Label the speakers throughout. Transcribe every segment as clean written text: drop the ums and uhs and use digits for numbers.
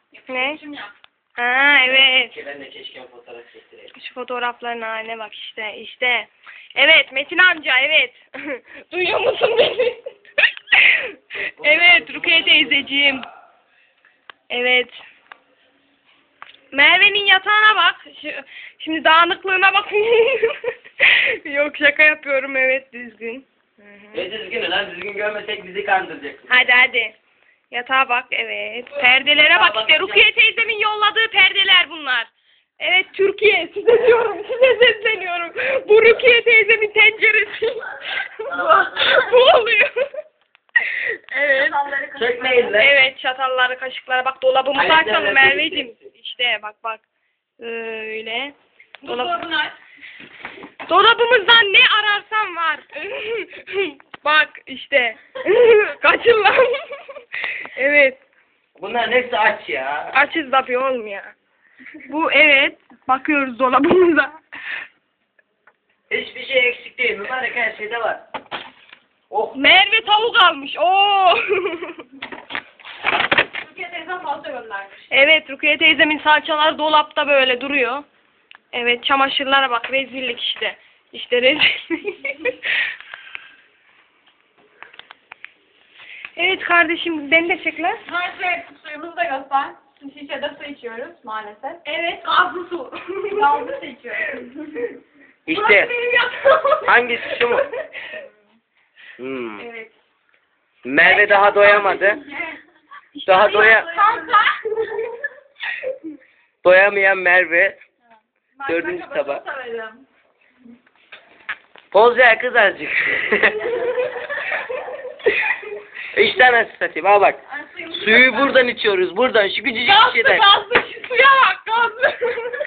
Speaker 1: Ne? Ha evet.
Speaker 2: Ben de keşke fotoğraf çektireyim.
Speaker 1: Şu fotoğrafların haline bak işte. Evet Metin amca evet. Duyuyor musun beni? Evet Rukiye teyzeciğim. Evet. Merve'nin yatağına bak. Şimdi dağınıklığına bak. Yok şaka yapıyorum evet düzgün.
Speaker 2: Ne düzgünü lan, düzgün görmesek bizi kandıracaksın.
Speaker 1: Hadi. Yatağa bak evet. Perdelere bak işte. Rukiye teyzemin yolladığı perdeler bunlar. Evet Türkiye size diyorum. Size sesleniyorum. Bu Rukiye teyzemin tenceresi. Bu oluyor. Evet.
Speaker 2: Çekmeyin lan.
Speaker 1: Evet çatalları kaşıklara bak dolabımızı
Speaker 2: Ayaklarla
Speaker 1: açalım Merveciğim.
Speaker 2: birlikte.
Speaker 1: İşte bak. Öyle.
Speaker 3: Buzdolabını aç.
Speaker 1: Dolabımızdan ne ararsan var. Bak işte. Kaçın lan. Evet.
Speaker 2: Bunların hepsi aç ya.
Speaker 1: Açız tabii oğlum ya. Bu evet. Bakıyoruz dolabımıza.
Speaker 2: Hiçbir şey eksik değil. Mübarek her şeyde var. Oh.
Speaker 1: Merve tavuk almış. Oo.
Speaker 3: Türkiye teyzem fazla göndermiş.
Speaker 1: Evet Rukiye teyzemin salçaları dolapta böyle duruyor. Evet çamaşırlara bak rezillik işte. İşte rezillik. Evet kardeşim beni de çek lan.
Speaker 3: Neyse suyumuzu da göster. Şişede su içiyoruz maalesef.
Speaker 1: Evet gazlı su.
Speaker 3: Gazlı su içiyoruz.
Speaker 2: İşte.
Speaker 1: Burası benim yatağım.
Speaker 2: Hangisi şu mu?
Speaker 1: Evet.
Speaker 2: Merve daha doyamadı. Daha doyamayan Merve. Dördüncü tabak. Poz ver kız azıcık. İşte nasıl satayım al bak. Suyu buradan içiyoruz buradan şu küçücük şeyden.
Speaker 1: Gazlı şu suya bak gazlı.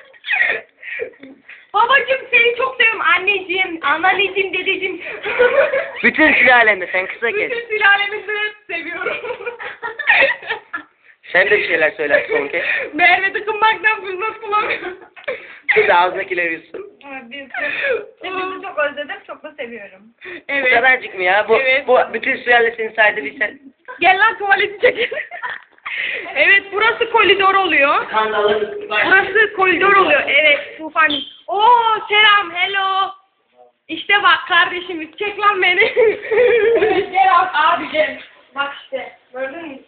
Speaker 1: Babacım seni çok seviyorum anneciğim, anneciğim, dedeciğim.
Speaker 2: Bütün sülalende sen kısa kes.
Speaker 1: Bütün sülalemizi seviyorum.
Speaker 2: Sen de bir şeyler söyler son kez.
Speaker 1: Merve tıkınmaktan fırsat bulamıyorum.
Speaker 2: Kız ağzındakileri yutsun.
Speaker 3: Hepinizi çok özledim, çok da seviyorum.
Speaker 2: Bu
Speaker 1: Evet.
Speaker 2: kadarcık mı ya?
Speaker 1: Evet.
Speaker 2: Bu bütün sülalesini saydı bir sen.
Speaker 1: Gel lan tuvaleti çekelim. Evet burası koridor oluyor.
Speaker 2: Kandalı.
Speaker 1: Burası koridor oluyor. Evet Tufan. Oo selam hello. İşte bak kardeşim çek lan beni.
Speaker 3: Evet, gel abicim.
Speaker 1: Bak işte gördün mü?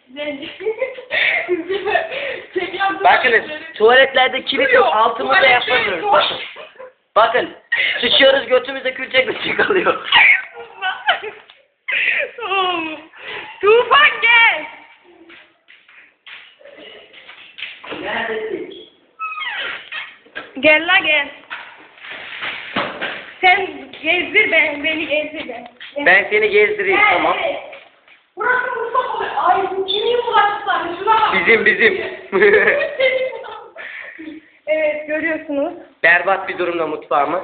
Speaker 1: Çek lan
Speaker 2: Bakınız tuvaletlerde kilit yok altımızda
Speaker 1: Tuvalette
Speaker 2: yapamıyoruz.
Speaker 1: yok.
Speaker 2: Bakın. Bakın. Sıçıyoruz götümüzde külçek kalıyor.
Speaker 1: Tufan gel.
Speaker 2: Neredesin?
Speaker 1: Gel la gel. Sen gezdir beni gezdir ben.
Speaker 2: Ben seni gezdireyim tamam.
Speaker 1: Evet. Burası mutfak oluyor. Ay bu kimin bulaşıkları? Şuna bak.
Speaker 2: Bizim.
Speaker 1: Evet görüyorsunuz.
Speaker 2: Berbat bir durumda mutfağımız.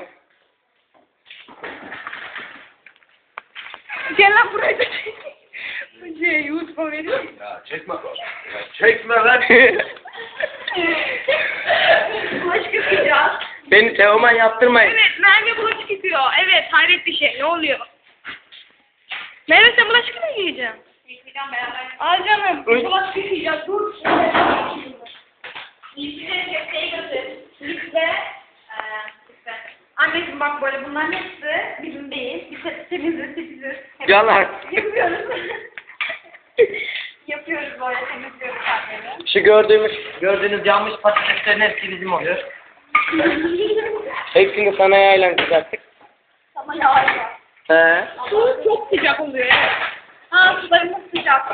Speaker 1: Gel lan buraya da YouTube'a veriyorum.
Speaker 4: Ya çekme lan. Ya çekme lan.
Speaker 1: Bulaşık yıkayacağız.
Speaker 2: Beni Teoman yaptırmayın.
Speaker 1: Evet Merve bulaşık yıkıyor. Evet hayret bir şey. Ne oluyor? Merve sen bulaşık mı yıkayacaksın?
Speaker 3: Yıkayacağım beraber.
Speaker 1: Al canım.
Speaker 2: Uy.
Speaker 1: Bulaşık yıkayacağız. Dur.
Speaker 3: Yıkayacağım, kepçeyi götür. Lifte. Anneciğim bak böyle bunların hepsi bizim değil. Biz hep temiziz.
Speaker 2: Yalan.
Speaker 3: Yapıyoruz. Yapıyoruz böyle temizliyoruz annemi.
Speaker 2: Şu gördüğünüz yanmış patateslerin hepsi bizim oluyor. Hepsini sana yaylan kızarttık.
Speaker 3: Ama yavaş.
Speaker 2: He.
Speaker 1: Su çok sıcak oluyor. Evet.
Speaker 3: Ha sularımız sıcak.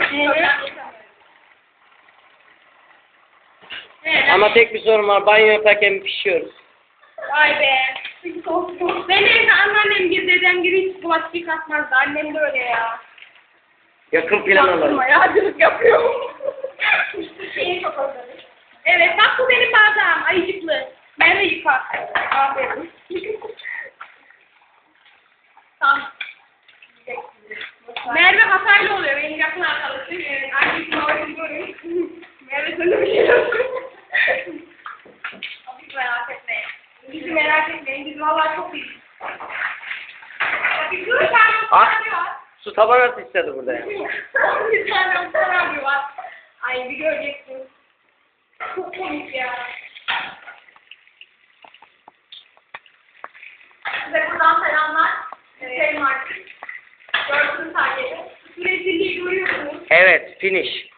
Speaker 1: Evet.
Speaker 2: Ama tek bir sorun var. Banyo yaparken pişiyoruz.
Speaker 1: Vay be. Ben evde anneannem gibi dedem gibi hiç bulaşık yıkatmazdı. Annem de öyle ya.
Speaker 2: Yakın plan alalım.
Speaker 1: Yağcılık yapıyor.
Speaker 3: Şeyi çok özledim.
Speaker 1: Evet bak bu benim bardağım. Ayıcıklı. Merve yıkar. Aferin.
Speaker 3: Tamam.
Speaker 1: Merve Hataylı oluyor. Benim yakın arkadaşım. Annesi babacım görüyor. Merve sana bir şey yok.
Speaker 3: Hiç merak etmeyin.
Speaker 1: Bizi merak etmeyin. Biz vallahi çok iyiyiz. Bir tane
Speaker 2: Ah.
Speaker 1: abi var.
Speaker 2: Su taban atı istedi burada ya.
Speaker 1: Bir tane abi var. Ay bir göreceksin. Buradan selamlar. Selam artık. Gördüğünüz halde. Rezilliği görüyorsunuz.
Speaker 2: Evet, finish.